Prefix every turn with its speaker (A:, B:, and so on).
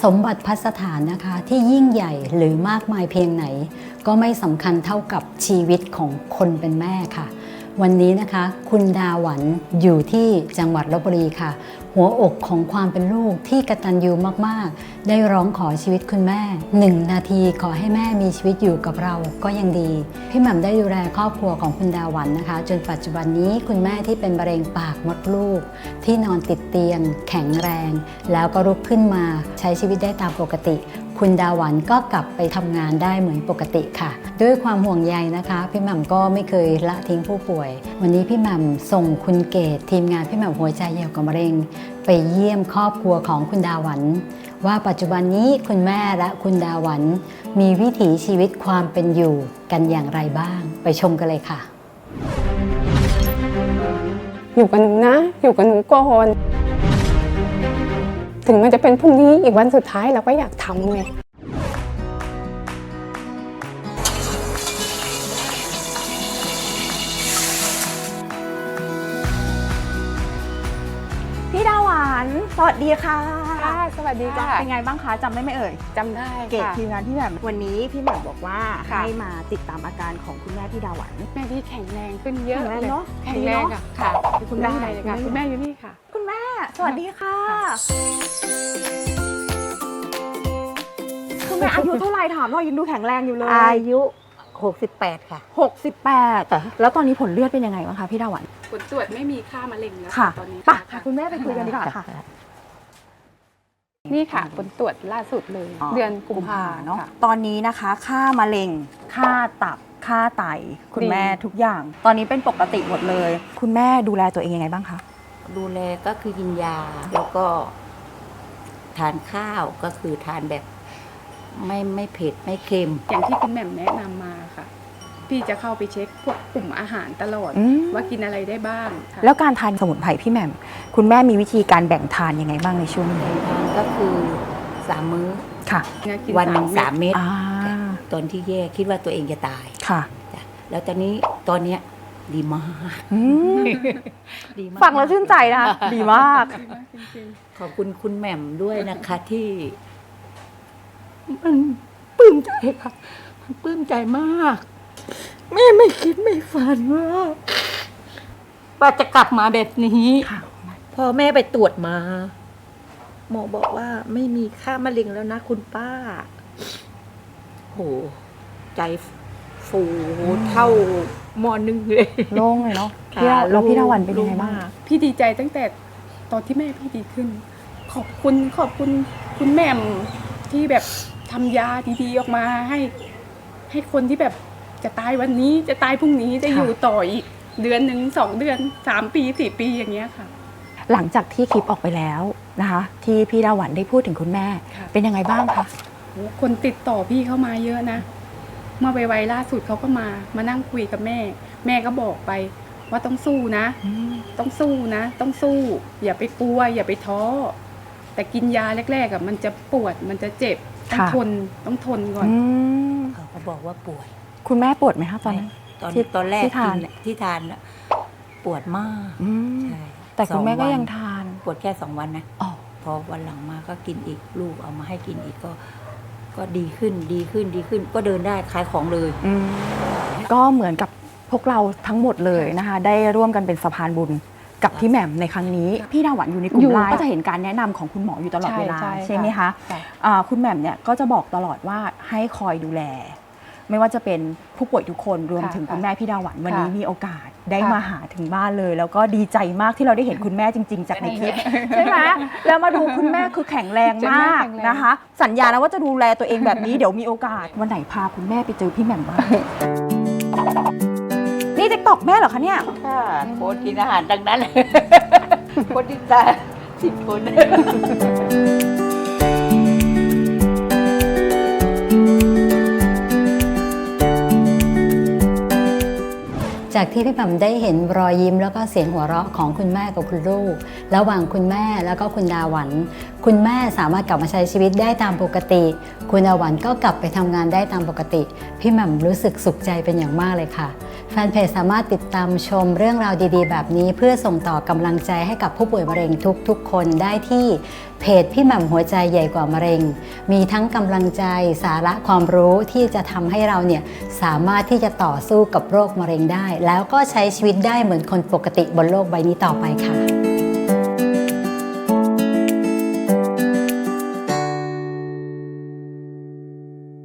A: สมบัติพัสถานนะคะที่ยิ่งใหญ่หรือมากมายเพียงไหนก็ไม่สำคัญเท่ากับชีวิตของคนเป็นแม่ค่ะวันนี้นะคะคุณดาหวันอยู่ที่จังหวัดลพบุรีค่ะหัวอกของความเป็นลูกที่กตัญญูมากๆได้ร้องขอชีวิตคุณแม่1 นาทีขอให้แม่มีชีวิตอยู่กับเราก็ยังดีพี่หม่ำได้ดูแลครอบครัวของคุณดาหวันนะคะจนปัจจุบันนี้คุณแม่ที่เป็นมะเร็งปากมดลูกที่นอนติดเตียงแข็งแรงแล้วก็ลุกขึ้นมาใช้ชีวิตได้ตามปกติคุณดาหวันก็กลับไปทำงานได้เหมือนปกติค่ะด้วยความห่วงใยนะคะพี่หม่ำก็ไม่เคยละทิ้งผู้ป่วยวันนี้พี่หม่ำส่งคุณเกศทีมงานพี่หม่ำหัวใจเหี่ยวกับมะเร็งไปเยี่ยมครอบครัวของคุณดาหวันว่าปัจจุบันนี้คุณแม่และคุณดาหวันมีวิถีชีวิตความเป็นอยู่กันอย่างไรบ้างไปชมกันเลยค่ะ
B: อยู่กับหนูนะอยู่กับหนูก่อนถึงมันจะเป็นพรุ่งนี้อีกวันสุดท้ายเราก็อยากทำไง
C: พี่ดาหวานสวัสดีค่ะ
B: สวัสดีจ้า
C: เป็นไงบ้างคะจำได้ไหมเอ่ย
B: จำได้
C: เกต
B: ค่ะ
C: ทีมงานพี่แหม่มวันนี้พี่แหม่มบอกว่า
B: ค่ะ
C: ให้มาติดตามอาการของคุณแม่พี่ดาหวัน
B: แม่พี่แข็งแรงขึ้นเยอะ
C: แข็งแรง
B: เลย
C: เนอะ
B: แข็งแรง
C: ดีเนอะ
B: ค่ะ
C: คุณแม่
B: ได้เลยค่ะคุณแม่อยู่นี่ค่ะ
C: คุณแม่สวัสดีค่ะคุณแม่อายุเท่าไหร่ถามหน่อยยังดูแข็งแรงอยู่เลย
D: อายุ 68 ค่ะ
C: 68แล้วตอนนี้ผลเลือดเป็นยังไงบ้างคะพี่ดาหวัน
B: ผลตรวจไม่มีค่ามะเร็งแล้ว
C: ค่ะ
B: ตอนนี้
C: ไป
B: ค่ะ
C: คุณแม่ไปคุยกันดีกว่าค่ะ
B: นี่ค่ะผลตรวจล่าสุดเลย เดือนกุมภา
C: เนาะ
B: ค่ะ
C: ตอนนี้นะคะค่ามะเร็งค่าตับค่าไตคุณ
B: ดี
C: แม่ทุกอย่าง ตอนนี้เป็นปกติหมดเลย คุณแม่ดูแลตัวเองยังไงบ้างคะ
D: ดูแลก็คือกินยา แล้วก็ทานข้าวก็คือทานแบบไม่เผ็ดไม่เค็ม
B: อย่างที่คุณแหม่มแนะนำมาค่ะ พี่จะเข้าไปเช็คพวกกลุ่มอาหารตลอด
C: อืม
B: ว่ากินอะไรได้บ้างค่ะ
C: แล้วการทานสมุนไพรพี่แหม่มคุณแม่มีวิธีการแบ่งทานยังไงบ้างในช่วงนี้
D: ทานก็คือ3 มื้อ
C: ค่ะ
B: กิน
D: วันหนึ่ง
B: 3
D: 3 เม็ด
C: อ่า
D: ตอนที่แย่คิดว่าตัวเองจะตาย
C: ค่ะ
D: จ้ะแล้วตอนเนี้ยดีมาก
C: อืม
D: ดีมาก
C: ฟังแล้วชื่นใจนะคะดีมาก
B: จริง
D: ขอบคุณคุณแหม่มด้วยนะคะที่มันปลื้มใจค่ะมันปลื้มใจมาก แม่ไม่คิดไม่ฝันว่าจะกลับมาแบบนี้
C: ค่ะ
D: พอแม่ไปตรวจมา หมอบอกว่าไม่มีค่ามะเร็งแล้วนะคุณป้าโหใจฟูเท่ามอนึงเลย
C: โล่งเลยเนาะ
D: ค่ะ
C: แล้วพี่ดาวันเป็นยังไงบ้าง
B: ๆพี่ดีใจตั้งแต่ตอนที่แม่พี่ดีขึ้น ขอบคุณคุณแหม่มที่แบบทำยาดีๆออกมาให้คนที่แบบจะตายวันนี้จะตายพรุ่งนี้จะ
C: ค่ะ
B: อยู่ต่ออีกเดือนหนึ่ง2 เดือน3 ปี 4 ปีอย่างเงี้ยค่ะ
C: หลังจากที่คลิปออกไปแล้วนะคะ ที่พี่ดาวันได้พูดถึงคุณแม่
B: ค่ะ
C: เป็นยังไงบ้างคะ
B: โหคนติดต่อพี่เข้ามาเยอะนะเมื่อไวๆล่าสุดเขาก็มานั่งคุยกับแม่ แม่ก็บอกไปว่าต้องสู้นะ ต้องสู้นะ ต้องสู้ อย่าไปกลัว อย่าไปท้อแต่กินยาแรกๆอ่ะมันจะปวดมันจะเจ็บต้องทนต้องทนก่อน
C: อืม
D: เขาก็บอกว่าปวด
C: คุณแม่ปวดไหมคะตอนนั้น
D: ตอนแรก
C: ที่ทาน
D: ที่ทานน่ะปวดมาก
C: อืม
D: ใช่
C: แต่คุณแม่ก็
D: 2 วัน
C: ยังทาน
D: ปวดแค่2 วันนะ
C: อ๋อ
D: พอวันหลังมาก็กินอีกลูกเอามาให้กินอีกก็ดีขึ้น ก็เดินได้ขายของเลย
C: อืมก็เหมือนกับพวกเราทั้งหมดเลยนะคะ ได้ร่วมกันเป็นสะพานบุญกับพี่แหม่มในครั้งนี้ พี่ดาหวันอยู่ในกลุ่
B: อยู่
C: มไลน์ก็จะเห็นการแนะนำของคุณหมออยู่ตลอดเวลา
B: ใช่
C: ใช่ไหมคะ
B: ค่ะ
C: คุณแหม่มเนี่ยก็จะบอกตลอดว่าให้คอยดูแล ไม่ว่าจะเป็นผู้ป่วยทุกคนรวมถึงคุณแม่พี่ดาหวันวันนี้มีโอกาสได้มาหาถึงบ้านเลย แล้วก็ดีใจมากที่เราได้เห็นคุณแม่จริง ๆ จากในคลิปใช่ไหมแล้วมาดูคุณแม่คือแข็งแรงมากนะคะ สัญญาแล้วว่าจะดูแลตัวเองแบบนี้เดี๋ยวมีโอกาสวันไหนพาคุณแม่ไปเจอพี่แหม่มบ้างนี่ติ๊กตอกแม่เหรอคะเนี่ย
D: ค่ะโพสต์กินอาหารดังนั้นเลย โพสต์ติดตา10 คน
A: จากที่พี่แหม่มได้เห็นรอยยิ้มแล้วก็เสียงหัวเราะของคุณแม่กับคุณลูกระหว่างคุณแม่แล้วก็คุณดาหวันคุณแม่สามารถกลับมาใช้ชีวิตได้ตามปกติ คุณดาหวันก็กลับไปทำงานได้ตามปกติพี่แหม่มรู้สึกสุขใจเป็นอย่างมากเลยค่ะแฟนเพจสามารถติดตามชมเรื่องราวดีๆแบบนี้เพื่อส่งต่อกำลังใจให้กับผู้ป่วยมะเร็งทุกๆคนได้ที่เพจพี่แหม่มหัวใจใหญ่กว่ามะเร็งมีทั้งกำลังใจสาระความรู้ที่จะทำให้เราเนี่ยสามารถที่จะต่อสู้กับโรคมะเร็งได้แล้วก็ใช้ชีวิตได้เหมือนคนปกติบนโลกใบนี้ต่อไปค่ะ